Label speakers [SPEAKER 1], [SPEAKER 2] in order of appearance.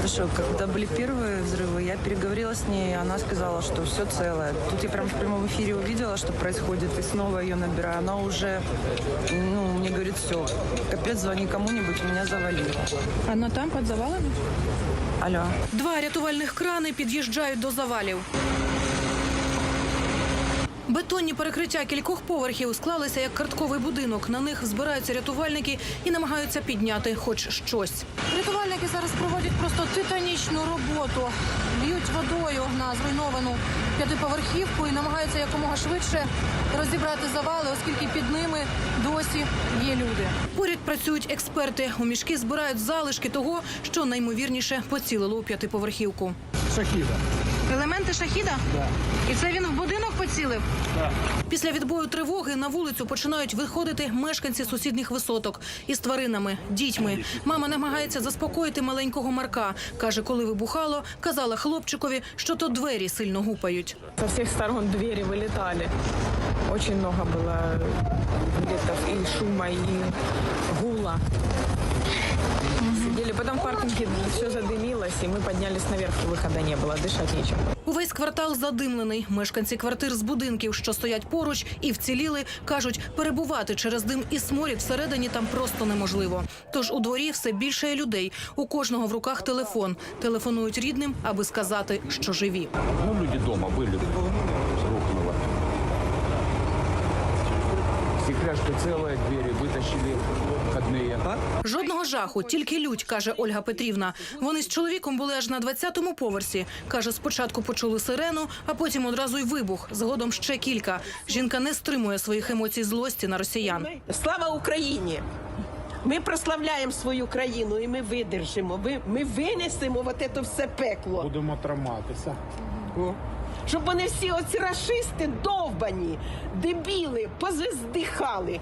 [SPEAKER 1] Хорошо, когда были первые взрывы, я переговорила с ней, она сказала, что все целое. Тут я прям в прямом эфире увидела, что происходит, и снова ее набираю. Она уже, мне говорит, все, капец, звони кому-нибудь, меня завалили.
[SPEAKER 2] Она там, під завалами?
[SPEAKER 1] Алло.
[SPEAKER 3] Два рятувальних крани під'їжджають до завалів. Бетонні перекриття кількох поверхів склалися як картковий будинок. На них збираються рятувальники і намагаються підняти хоч щось.
[SPEAKER 2] Рятувальники зараз проводять просто титанічну роботу. Б'ють водою на зруйновану п'ятиповерхівку і намагаються якомога швидше розібрати завали, оскільки під ними досі є люди.
[SPEAKER 3] Поряд працюють експерти. У мішки збирають залишки того, що наймовірніше поцілило у п'ятиповерхівку.
[SPEAKER 4] Шахіда.
[SPEAKER 2] Елементи шахіда?
[SPEAKER 4] Да.
[SPEAKER 2] І це він в будинок поцілив?
[SPEAKER 4] Да.
[SPEAKER 3] Після відбою тривоги на вулицю починають виходити мешканці сусідніх висоток із тваринами, дітьми. Мама намагається заспокоїти маленького Марка. Каже, коли вибухало, казала хлопчикові, що то двері сильно гупають.
[SPEAKER 5] Со всех сторон двери вылетали. Очень много было где-то и шума, и гула. Сидели. Потом в паркинге все задымилось, и мы поднялись наверх, выхода не было, дышать нечем.
[SPEAKER 3] Увесь квартал задимлений. Мешканці квартир з будинків, що стоять поруч і вціліли, кажуть, перебувати через дим і сморід всередині там просто неможливо. Тож у дворі все більше людей. У кожного в руках телефон. Телефонують рідним, аби сказати, що живі.
[SPEAKER 6] Люди дома были, рухнуло. Стекляшка целая, двери вытащили входные.
[SPEAKER 3] Жодного жаху, тільки лють, каже Ольга Петрівна. Вони з чоловіком були аж на 20-му поверсі. Каже, спочатку почули сирену, а потім одразу й вибух. Згодом ще кілька. Жінка не стримує своїх емоцій злості на росіян.
[SPEAKER 7] Слава Україні! Ми прославляємо свою країну і ми видержимо. Ми винесемо це все пекло.
[SPEAKER 4] Будемо триматися.
[SPEAKER 7] Щоб вони всі оці рашисти довбані, дебіли, поздихали.